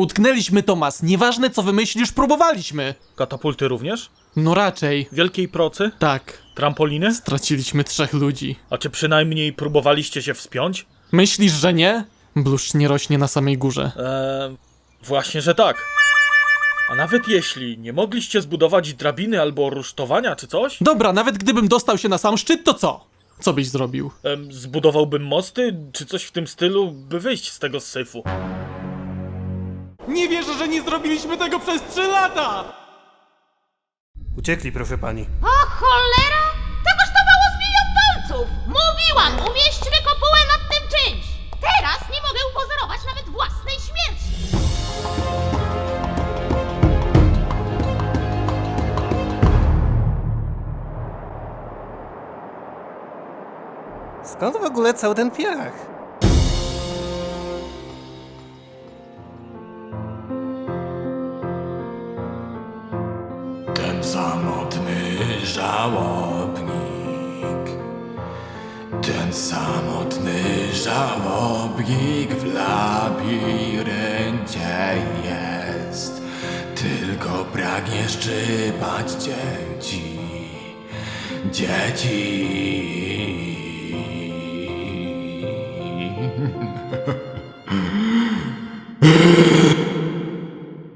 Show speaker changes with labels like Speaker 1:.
Speaker 1: Utknęliśmy, Tomas. Nieważne, co wymyślisz, próbowaliśmy.
Speaker 2: Katapulty również?
Speaker 1: No raczej.
Speaker 2: Wielkiej procy?
Speaker 1: Tak.
Speaker 2: Trampoliny?
Speaker 1: Straciliśmy 3 ludzi.
Speaker 2: A czy przynajmniej próbowaliście się wspiąć?
Speaker 1: Myślisz, że nie? Bluszcz nie rośnie na samej górze.
Speaker 2: Właśnie, że tak. A nawet jeśli nie mogliście zbudować drabiny albo rusztowania czy coś,
Speaker 1: Dobra, nawet gdybym dostał się na sam szczyt, to co? Co byś zrobił?
Speaker 2: zbudowałbym mosty czy coś w tym stylu, by wyjść z tego syfu.
Speaker 1: Nie wierzę, że nie zrobiliśmy tego przez 3 lata!
Speaker 3: Uciekli, proszę pani.
Speaker 4: O cholera! To kosztowało z 1 000 000 dolców! Mówiłam, umieśćmy kopułę nad tym czymś! Teraz nie mogę upozorować nawet własnej śmierci!
Speaker 3: Skąd w ogóle cały ten piach?
Speaker 5: Ten samotny żałobnik, ten samotny żałobnik w labiryncie jest, tylko pragnie szczypać dzieci, dzieci.